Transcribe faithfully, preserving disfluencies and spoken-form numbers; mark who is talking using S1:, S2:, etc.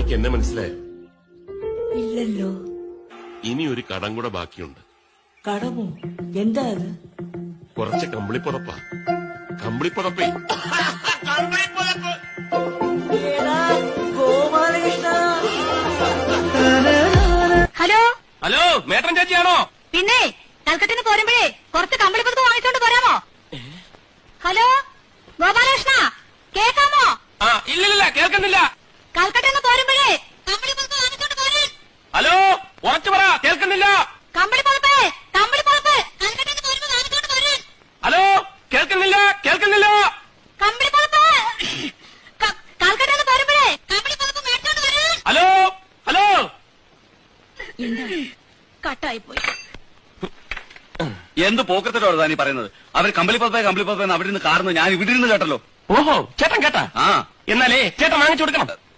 S1: അമ്മയ്ക്ക് എന്നെ മനസ്സിലായോ?
S2: ഇല്ലല്ലോ.
S1: ഇനി ഒരു കടം കൂടെ ബാക്കിയുണ്ട്.
S2: കടമോ? എന്താ അത്?
S1: കുറച്ച് കമ്പിളിപ്പുതപ്പാ. കമ്പിളിപ്പുതപ്പേ.
S3: Hello
S4: hello, മേട്ടൻ ചേച്ചിയാണോ?
S3: പിന്നെ കൽക്കട്ടിന്ന് പോരുമ്പോഴേ കുറച്ച് കമ്പിളിപ്പുറത്ത് വാങ്ങിച്ചോണ്ട് പോരാമോ? ഹലോ ഗോപാലകൃഷ്ണ, കേൾക്കാമോ?
S4: ആ, ഇല്ലില്ല, കേൾക്കുന്നില്ല.
S3: കൽക്കട്ടിന്ന് പോരുമ്പോഴേ കമ്പിളിപ്പുറത്ത് വാങ്ങിച്ചോണ്ട് പോരേ.
S4: ഹലോ, ഉറച്ചു പറ, കേൾക്കുന്നില്ല.
S3: കമ്പിളിപ്പുറത്ത് കമ്പിളിപ്പുറത്ത് കൽക്കട്ടിന്ന് പോരുമ്പോ വാങ്ങിച്ചോണ്ട് പോരേ.
S4: ഹലോ, കേൾക്കുന്നില്ല, കേൾക്കുന്നില്ല.
S3: കമ്പിളിപ്പുറത്ത് കൽക്കട്ടിന്ന് പോരുമ്പോഴേ കമ്പിളിപ്പുറത്ത് മേടിച്ചോണ്ട് വരേ.
S4: ഹലോ ഹലോ,
S3: എന്താ കട്ടായി പോയി?
S5: എന്ത് പോക്കത്തിലോട് താനീ പറയുന്നത്? അവർ കമ്പിളിപ്പത്തേ കമ്പിളിപ്പത്തേ അവിടെ നിന്ന് കാർന്ന് ഞാൻ ഇവിടെ ഇരുന്ന് കേട്ടല്ലോ.
S4: ഓഹോ, ചേട്ടൻ കേട്ടാ?
S5: ആ,
S4: എന്നാലേ ചേട്ടൻ വാങ്ങിച്ചു കൊടുക്കണം.